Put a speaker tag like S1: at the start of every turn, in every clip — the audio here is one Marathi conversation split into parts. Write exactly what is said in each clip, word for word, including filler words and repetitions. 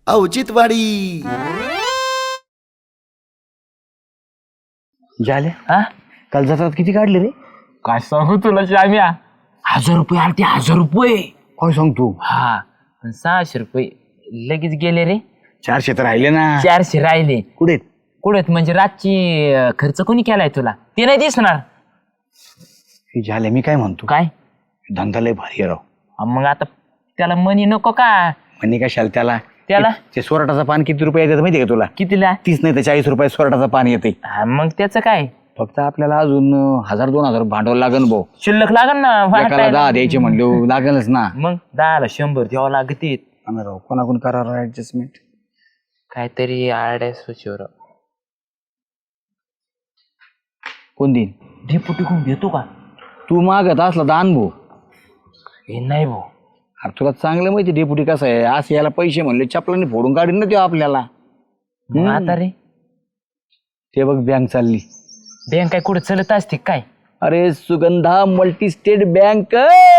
S1: औचित्यवाडी.
S2: झाले
S3: हा
S2: काल जातात किती काढले रे?
S3: काय सांगू तुला श्याम्या, हजार रुपये आले ते हजार रुपये.
S2: काय सांगतो?
S3: हा पण सहाशे रुपये लगेच गेले रे.
S2: चारशे तर राहिले ना.
S3: चारशे राहिले.
S2: कुठे
S3: कुठे म्हणजे रातची अं, खर्च कोणी केलाय तुला ते नाही दिसणार.
S2: हे झाले मी काय म्हणतो,
S3: काय
S2: धंदा लय भारी आहे राव.
S3: अं, मग आता त्याला मनी नको का?
S2: म्हणे कशाला त्याला
S3: त्याला
S2: ते सोराटाचं पान किती रुपये येतात माहिती का तुला?
S3: कितीला?
S2: तीस नाही तर चाळीस रुपये सोराटाचं पान येते.
S3: हा, मग त्याचं काय
S2: फक्त आपल्याला अजून अं, हजार दोन हजार भांडवल लागन भाऊ.
S3: शिल्लक लागल ना
S2: एकाला
S3: वाटायला.
S2: दहा द्यायचे म्हणले लागेलच ना.
S3: मग दहाला शंभर द्यावं लागते.
S2: आम्ही राव कोणाकोण करा ऍडजस्टमेंट.
S3: काहीतरी आड्या सुचवर
S2: कोण देईन?
S3: ढेपुटी कोण देतो का?
S2: तू मागत असला दान भाऊ.
S3: हे नाही भाऊ.
S2: अरे तुला चांगलं माहिती डेपुटी कसं आहे, असं याला पैसे म्हणले चपलाने फोडून काढीन ना ते आपल्याला.
S3: मग आता रे
S2: ते बघ बँक चालली.
S3: बँक काय कुठे चलत असते काय?
S2: अरे सुगंधा मल्टी स्टेट बँक.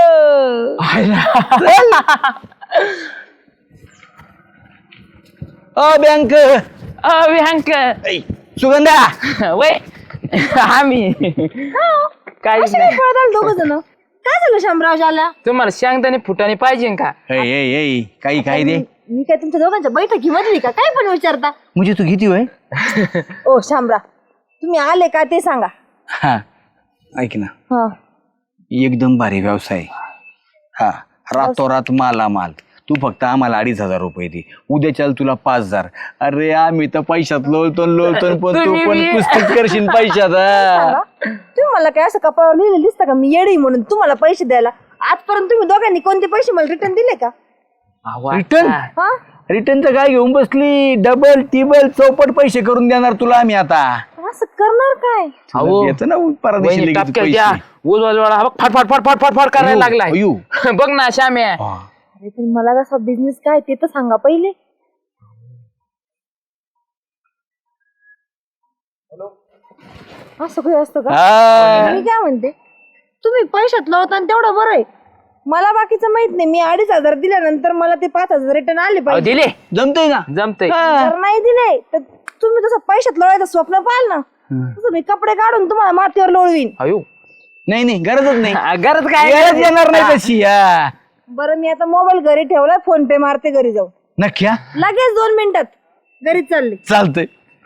S2: अ बँक
S3: बँक
S2: सुगंधा
S3: वय आम्ही काय
S4: दोघ जण काय झालं शामराव झाला?
S3: तुम्हाला शेंगदाणे फुटाने पाहिजे का?
S2: काही काही दे.
S4: मी काय तुमच्या दोघांच्या बैठकीमधली का? काय पण विचारता?
S2: म्हणजे तू किती होय?
S4: ओ शामराव, तुम्ही आले का ते सांगा.
S2: हा ऐक ना,
S4: हा
S2: एकदम भारी व्यवसाय. हा रातोरात मालामाल. तू फक्त आम्हाला अडीच हजार रुपये दे, उद्या चाल तुला पाच हजार. अरे आम्ही तर पैशात लोळतो लोळतो पण तू पण पुस्तक करशील पैशात.
S4: सांगा. तुम्ही मला काय असं कपाळावर लिहिलं दिसतं का मी येडी म्हणून तुम्हाला पैसे द्यायला? आजपर्यंत तुम्ही दोघांनी कोणते पैसे मला रिटर्न दिले का?
S2: रिटर्न
S4: हा
S2: रिटर्नचं काय घेऊन बसली? डबल टिबल चौपट पैसे करून देणार तुला आम्ही आता.
S4: असं करणार काय?
S2: येतं ना परदेशी लगेच पैसे.
S3: फट फट फट फट फट फट करायला लागलाय.
S2: अयो.
S3: बघ ना श्याम्या.
S4: अरे पण मला कसा बिझनेस काय ते तर सांगा पहिले. असं काही असतं का?
S2: हा.
S4: मी काय म्हणते, तुम्ही पैशात लावता आणि तेवढं बरं आहे. मला बाकीचं माहित नाही. मी अडीच हजार दिल्यानंतर मला ते पाच हजार रिटर्न आले
S3: अहो,
S4: पाहिजे.
S3: दिले
S2: जमतंय ना?
S3: जमतय.
S4: जर नाही दिले तर तुम्ही तसं पैशात लोळायचं स्वप्न पाहाल ना, तसं मी कपडे काढून तुम्हाला मातीवर लोळवीन.
S3: अयो
S2: नाही नाही गरजच नाही.
S3: गरज काय?
S2: गरज येणार नाही तशी. हा.
S4: बरं मी आता मोबाईल घरी ठेवलाय, फोन पे मारते घरी जाऊन.
S2: नक्की हा?
S4: लगेच दोन मिनिटात घरी चालली.
S2: चालतंय.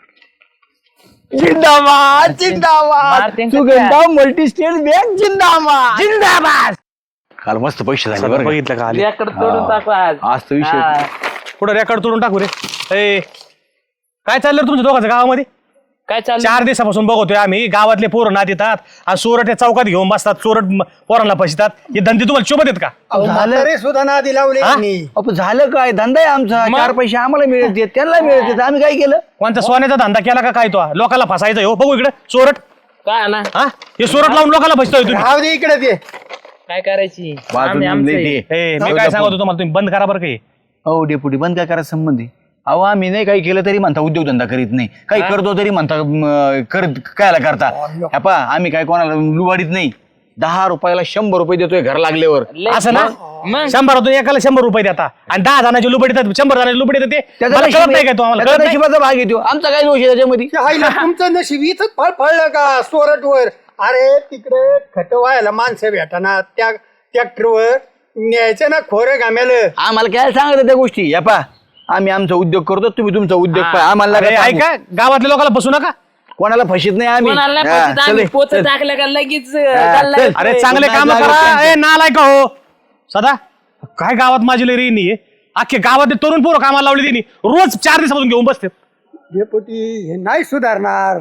S2: जिंदाबाद जिंदाबाद
S3: मारते का
S2: सुगंधा मल्टी स्टेट बँक जिंदाबाद जिंदाबाद. काल मस्त पैसे झाले बरं का?
S5: बघितलं का आले
S3: रेकॉर्ड तोडून टाकू आज.
S2: आज तर विषय
S3: हा.
S5: पुढे रेकॉर्ड तोडून टाकू रे. ए काय चाललं रे तुमच्या दोघांचं गावामध्ये?
S3: काय चाललं?
S5: चार दिवसापासून बघतोय आम्ही, गावातले पोरं नात येतात आणि चोरट या चौकात घेऊन बसतात, चोरट म- पोरांना फसतात. हे धंदे तुम्हाला शोभत आहेत का?
S2: झालं
S6: सुद्धा नादी लावले
S5: हा?
S2: अप झालं काय? धंदा आहे आमचा. चार पैसे आम्हाला मिळते त्यांना मिळते, आम्ही काय केलं?
S5: कोणत्या सोन्याचा धंदा केला का काय? तो लोकांना फसायचं हो. बघू इकडे चोरट.
S3: काय ना
S5: हा हे चोरट लावून लोकांना फसतोय तुम्ही.
S6: राहू दे इकडे ते.
S3: काय करायची?
S2: वाजून
S3: आम्ही आमचं
S2: लई
S3: आहे.
S2: ते.
S5: ए मी काय सांगतो तुम्हाला, तुम्ही बंद करा बरं काही.
S2: हो डेपुटी बंद काय करायचं संबंध आहे? अहो आम्ही नाही काही केलं तरी म्हणता उद्योगधंदा करीत नाही, काही करतो तरी म्हणता म, करत कायला करता. ह्या पहा आम्ही काय कोणाला लुबाडीत नाही. दहा रुपयाला शंभर रुपये देतोय घर लागल्यावर.
S3: लय-
S5: असं ना?
S3: मग
S5: शंभरातून एकाला शंभर रुपये देता आणि दहा जणांचे लुबडी देतात, शंभर जणांचे लुबडी देते.
S2: त्याचा
S5: मला कळत
S2: नशीब
S5: नाही काय तो आम्हाला
S2: त्याचा
S5: कळत नाही?
S2: नशिबाचा भाग येतो. आमचा काय दोष आहे त्याच्यामध्ये?
S6: आईला तुमचं नशीब इथंच फळ फळलं का सोरटवर? अरे तिकडे खत व्हायला माणसं भेटाना, त्या ट्रॅक्टरवर न्यायचं ना खोरं घामेलं.
S2: आम्हाला काय सांगत त्या गोष्टी? या पहा आम्ही आमचा उद्योग करतो, तुम्ही तुमचा उद्योग पहा. आम्हाला
S5: अरे
S2: नका सांगू.
S5: ऐका, गावातल्या लोकांना बसू नका.
S2: कोणाला फशीत नाही आम्ही.
S3: कोणाला नाही
S2: हा,
S3: फसत,
S2: चल,
S3: आम्ही पोतं
S2: चल.
S3: टाकलं का लगेच
S2: हा,
S3: चालला
S2: चल.
S3: येतोय.
S5: अरे चांगले काम
S2: लागत
S5: करा.
S2: त्यांचं.
S5: ए नालाय का हो सदा? काय गावात माझी लई रेनी आहे. अख्खे गावात तरुण पोरं कामाला लावली त्यांनी, रोज चार दिवसापासून घेऊन बसते.
S6: डेपुटी हे नाही सुधारणार.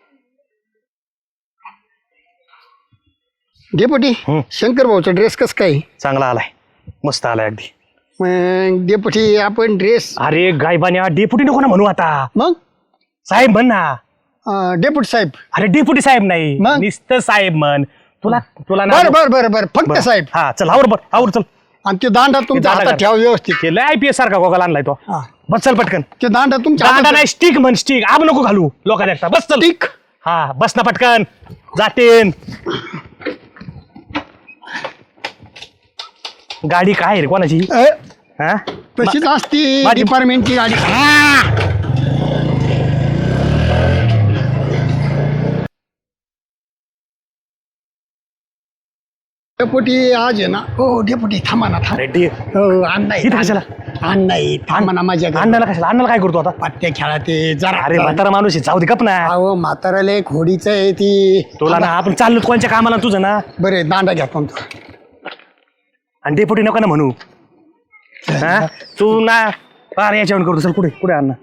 S6: डेपुटी शंकर भाऊचा ड्रेस कस काय?
S5: चांगला आलाय, मस्त आलाय अगदी.
S6: मग डेपुटी आपण ड्रेस
S5: अरे गायबान्या डेपुटी नको ना म्हणू आता,
S6: मग
S5: साहेब म्हण ना.
S6: अं, डेपुटी साहेब.
S5: अरे डेपुटी साहेब नाही,
S6: मग?
S5: नुसतं साहेब म्हण. तुला तुला ना
S6: बर बर बर बर फक्त साहेब.
S5: हा चल आवर बर आवर चल.
S6: आणि ते दांडा तुमच्या
S5: दांडा
S6: हातात
S5: घाल.
S6: ठेवा व्यवस्थित.
S5: केलं आय पी एस सारखा गोगाला आणलाय तो.
S6: हा.
S5: बस चल पटकन.
S6: ते दांडा तुमच्या
S5: दांडा
S6: हातात
S5: नाही, स्टिक म्हण, स्टिक. आब नको घालू लोका देखता. बस चल.
S6: टिक.
S5: हा बस ना पटकन जातेन. गाडी काय रे कोणाची?
S6: अ,
S5: हा
S6: तशीच असती
S5: माझी-
S6: डिपार्टमेंटची गाडी. हा! डेपुटी आज आहे ना हो डेपुटी थांबा ना थांब
S5: रेड्डी
S6: हो अण्णा
S5: इथं कशाला?
S6: अण्णा थांबा ना माझ्या घरी.
S5: अण्णाला कशाला अण्णाला काय करतो आता
S6: पत्ते खेळा ते जरा
S5: अरे म्हातारा माणूस आहे जाऊ दे गप ना
S6: अहो म्हाताराला एक होडीचं आहे ती
S5: तुला ना आपण चाललो कोणच्या कामाला तुझं ना
S6: बरे दांडा घ्या पण
S5: आणि डेपुटी नको ना म्हणू हा? तू ना अरे याच्यावर करतो चल पुढे पुढे अण्णा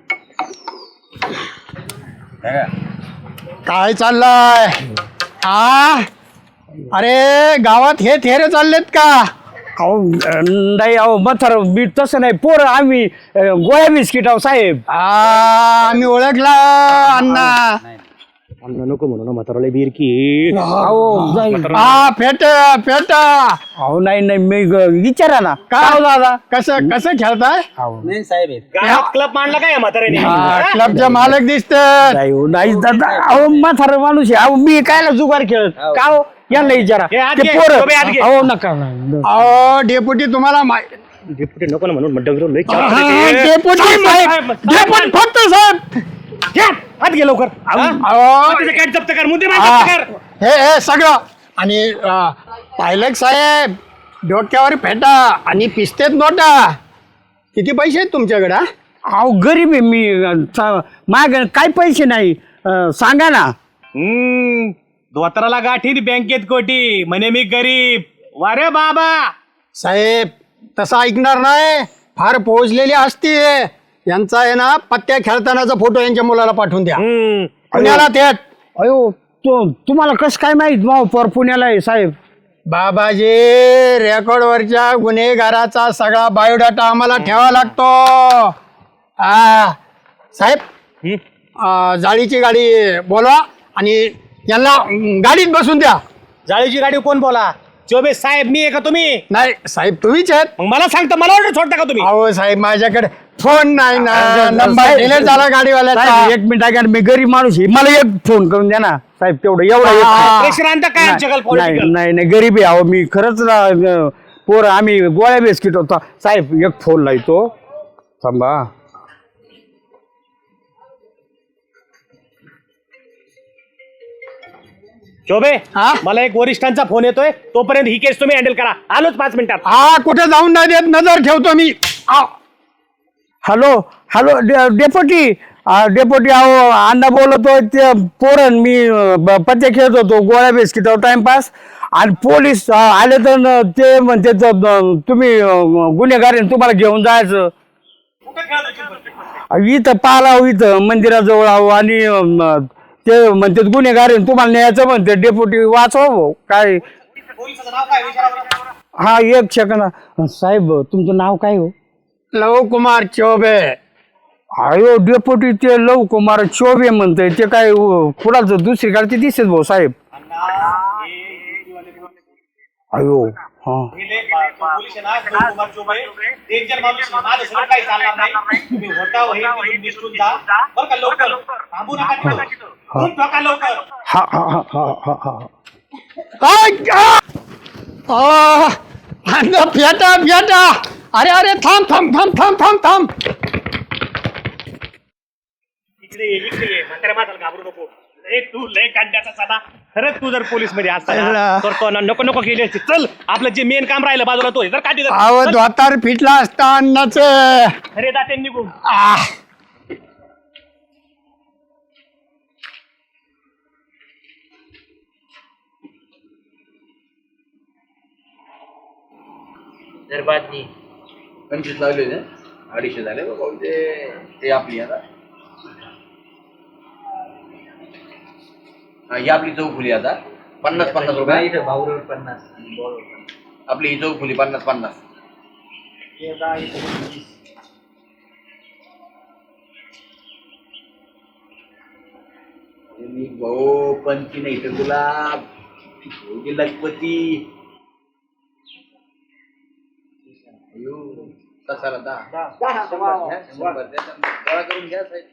S6: काय चाललंय हा अरे गावात हे थेरे चाललेत का
S1: अहो नाही अहो मथर बीट तसं नाही पोरं आम्ही अं, गोळ्या बिस्किट आहो साहेब.
S6: आ, आम्ही ओळखला अण्णा
S5: अण्णा नको म्हणू ना म्हाताराला बीर की
S1: अहो नाही
S6: हा फेट फेट
S1: अहो नाही नाही मी ग- विचारा ना
S6: काय
S1: हो दादा
S6: कसं कसं खेळताय
S5: क्लब मांडला काय म्हाताऱ्याने
S6: हा, क्लबचे मालक दिसते
S1: नाही हो, नाही दादा अहो म्हातार माणूस आहे अहो मी कायला जुगार खेळत का हो यांना विचारा
S5: हे आत
S1: ते
S5: घे,
S1: पोरं
S5: शोभे आत घे.
S1: अहो नका नाही.
S6: अहो डेपुटी तुम्हाला माहि-
S5: डेपुटी नको ना म्हणून मग डंगर लई
S6: हा,
S5: चावतं ते.
S6: डेपुटी
S5: साहेब,
S6: साहेब
S5: साहेब,
S6: डेपुटी फक्त साहेब
S5: घ्या, आत घे लवकर हा?
S6: अहो
S5: तिथे काय जप्त कर मुद्दे
S6: हा,
S5: जप्त कर
S6: हे हे सगळं आणि अं, पायलट साहेब डोक्यावर फेटा आणि पिस्तेत नोटा किती पैसे आहेत तुमच्याकडे हा?
S1: अहो गरीब आहे मी अं, चा- माग काय पैसे नाही अं, सांगा ना
S5: हम्म धोत्राला गाठी बँकेत कोटी म्हणे मी गरीब वारे बाबा
S6: साहेब तसं ऐकणार नाही फार पोहोचलेली असती यांचा आहे ना पत्त्या खेळतानाचा फोटो यांच्या मुलाला पाठवून द्या
S5: हम्म
S6: पुण्याला थेट
S1: अयो तो तुम्हाला कसं काय माहित माहो पर पुण्याला आहे साहेब.
S6: बाबाजी रेकॉर्डवरच्या गुन्हेगाराचा सगळा बायोडाटा आम्हाला ठेवा लागतो आ, साहेब
S5: हम्म.
S6: आ, जाळीची गाडी बोलवा आणि यांना अं, गाडीत बसून द्या
S5: जाळीची गाडी कोण बोला चोबे साहेब मी आहे का तुम्ही
S6: नाही साहेब तुम्हीच आहेत
S5: मग मला सांगता मला ऑर्डर सोडता का तुम्ही
S6: अहो साहेब माझ्याकडे फोन नाही ना नंबर
S1: साहेब,
S6: डिलीट झाला गाडीवाल्याचा
S1: साहेब एक मिनिट ऐका ना, मी गरीब माणूस आहे मला एक फोन करून द्या ना साहेब तेवढं एवढं एक
S6: हा.
S5: प्रेशर आणता काय आमच्याकडे
S1: नाही
S5: political?
S1: नाही नाही गरीब आहे अहो मी खरंच ना, पोरं आम्ही गोळ्या बिस्किट होता साहेब एक फोन लावतो थांबा
S5: चोबे
S6: हा?
S5: मला एक वरिष्ठांचा फोन येतोय तोपर्यंत ही केस तुम्ही हँडल करा आलोच पाच मिनिटात
S6: हा कुठे जाऊन नाही देत नजर ठेवतो मी आ,
S1: हॅलो हॅलो डे- डेपोटी अं, डेपोटी अहो अण्णा बोलतो ते पोरण मी अं, ब- पत्ते खेळत होतो गोळ्या बिस्किटावर टाइमपास आणि पोलीस अं, आले तर न- ते म्हणते तर, अं, तुम्ही अं, गुन्हेगार आहे, तुम्हाला घेऊन जायचं अं, इथं पालाव इथं मंदिराजवळ आहो आणि अं, ते म्हणते गुन्हेगार आहे, तुम्हाला न्यायचं म्हणते डेपोटी वाचवा भाऊ काय हा एक सेकंद साहेब तुमचं नाव काय हो
S6: लव कुमार चौबे
S1: अयो डेपोटी ते लव कुमार चोबे म्हणतंय ते काय अं, कुणाचं दुसरीकडे दिसत भाऊ साहेब अयो हा हा हा हा हा हा हा
S6: आ, अण्णा फेटा फेटा अरे अरे थांब थांब थांब थांब थांब थांब
S5: इकडे ये, इकडे ये. म्हाताऱ्या माणसाला घाबरू नको ए, तू लय काढण्याचा साधा खरंच तू जर पोलीस मध्ये असता ना, तर तो ना नको नको केली असती चल आपलं जे मेन काम राहिलं बाजूला तो हे जर काढी
S6: आव द्वातार फिटला असता अण्णाचं
S5: अरे जाते निघून
S6: आ,
S2: पंचवीस लावले होते अडीचशे झाले बघा ते ते आपली आता हा ही आपली चौफुली आता पन्नास पन्नास रुपये पन्नास आपली ही चौफुली पन्नास पन्नास मी भाऊ पंची नाही तर तुला भोगी लखपती अयो कसाला दहा शंभर घ्या, शंभर द्या, गोळा करून घ्या साहेब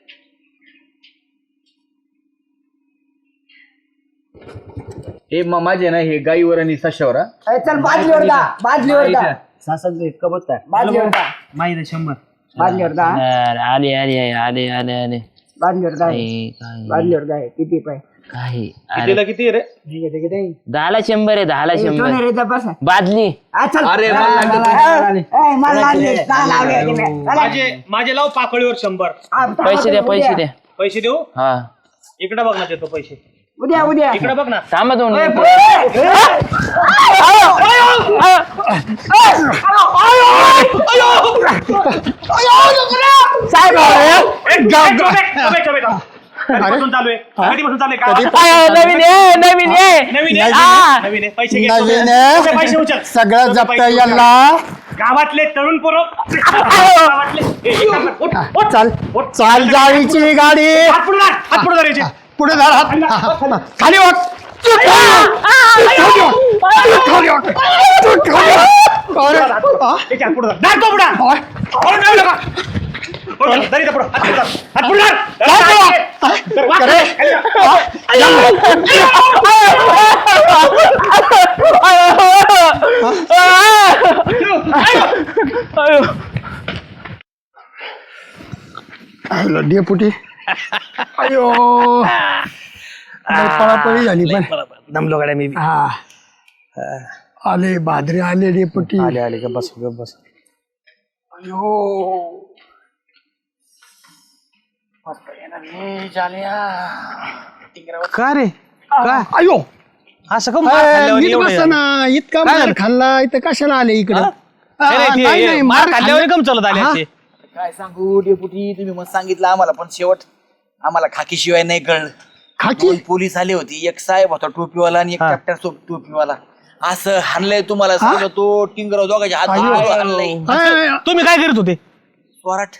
S2: हे म- माझे ना हे गाईवर आणि सशावर हा.
S4: चल बाजलीवर जा बाजलीवर जा
S3: सासंग कबत काय
S4: बाजलीवर जा
S5: माहिती शंभर
S7: बांधल्यावर दहा
S3: आले आले आले आले आले
S7: बांधल्यावर दहा
S3: काय काय
S7: बांधल्यावर दहा किती पाय
S3: काय
S5: कितीला किती रे
S7: किती किती
S3: दहाला शंभर आहे दहाला शंभर
S7: सोनेरीचा बसा
S3: बादली
S7: आ, चल.
S2: अरे,
S7: आ,
S2: मला लागलं
S7: आ, आ, आ, मला लागले. दहा लावले की नाही? चला.
S5: माझे माझे लाव पाकळीवर शंभर
S7: आ, दहा
S3: पैसे द्या
S7: उद्या.
S3: पैसे द्या
S5: पैसे देऊ
S3: हा
S5: इकडे बघ ना देतो पैसे
S7: उद्या उद्या
S5: इकडे बघ ना
S3: थांबा दोन
S5: कधीपासून चालू आहे कधीपासून चालू आहे का
S3: नवीन आहे नवीन आहे
S5: नवीन आहे
S3: हा.
S5: नवीन आहे पैसे घे
S6: नवीन
S5: तुझे
S6: आहे.
S5: पैसे उचल
S6: सगळं
S5: तुझे
S6: जप्त
S5: पैसे
S6: याला
S5: उचल. गावातले तरुण पोरं गावातले ए, एक काम कर, उठ, उठ.
S6: चाल
S5: उठ.
S6: चाल जाळीची गाडी
S5: हात पुढे धर, हात पुढे धरायचे
S6: पुढे धर हात. खाली वाट
S5: त्याच्या हात पुढे धर. धर तो पुढं. पुढं धर नका. पुढं धर, धर इथं पुढं. हात पुढं धर. हात पुढं धर. धर, वाक. खाली वाक.
S6: डेपुटी अयो लय पळापळी झाली पण
S5: दमलो गाड्या मी
S6: हा आले भादरे आले डेपुटी
S5: आले आले का बस ग बस
S6: अयो
S5: का रे
S6: का अयो
S5: असं का मार खाल्ल्यावर
S6: नीट
S5: एवढं
S6: बसा ना इतका मार खाल्ला इथं कशाला आले इकडं
S5: नाही, नाही, ते
S6: नाही, नाही,
S5: मार खाल्ल्यावर
S6: खाल्ला-
S5: कम चालत आले
S6: हा?
S5: असे.
S2: काय सांगू डेपुटी तुम्ही मग सांगितलं आम्हाला पण शेवट आम्हाला खाकी शिवाय नाही कळलं
S6: खाकी
S2: दोन पोलीस आले होते एक साहेब होता टोपीवाला आणि एक ट्रॅक्टर टोपीवाला असं हाणलंय तुम्हाला सांगतो टिंगराव दोघांच्या हात
S6: अयो.
S2: धरून हाणलंय
S6: अय,
S5: तुम्ही काय करत होते
S2: स्वराट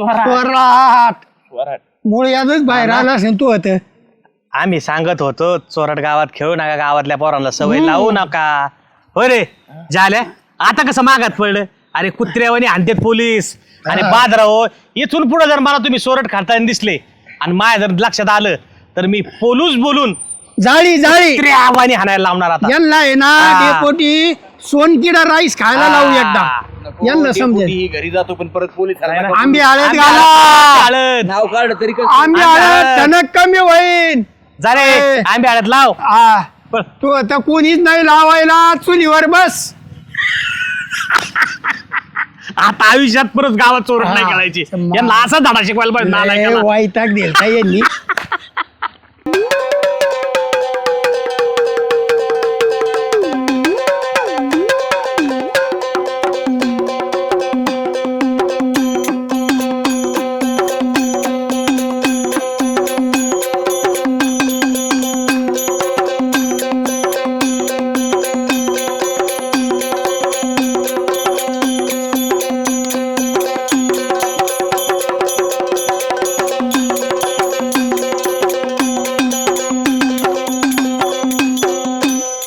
S6: स्वराट मुळे यादच बाहेर आला असेल तू होत
S5: आम्ही सांगत होतो चोरट गावात खेळू नका गावातल्या पोरांना सवय लावू नका होय रे झाल्या आता कसं मागात पडलं अरे कुत्र्यावानी हाणतेत पोलीस आणि बादराव इथून पुढे जर मला तुम्ही सोरट खाताना दिसले आणि माझ्या जर लक्षात आलं तर मी पोलूस बोलून
S6: जाळी जाळी
S5: कुत्र्यावानी हाणायला लावणार आता
S6: यांना आहे ना
S5: हा.
S6: डेपोटी सोनकिडा राईस खायला लावू एकदा यांना समजेल
S2: डेपुटी घरी जातो पण परत पोलीस
S5: नाही ना.
S6: आंबे आळत
S5: आंबे
S6: घाला
S5: हळद.
S2: नाव काढ तरी कसं?
S6: आंबे आळत टणक कमी होईल
S5: जा रे
S6: ए.
S5: आंबे हळद लाव
S6: हा.
S5: पण
S6: तू आता कोणीच नाही लावायला चुलीवर बस
S5: आता आयुष्यात परत गावात चोरट नाही करायची यांना असा धडा शिकवायला पाहिजे नालायकाला.
S6: वाईटाक दिलता यांनी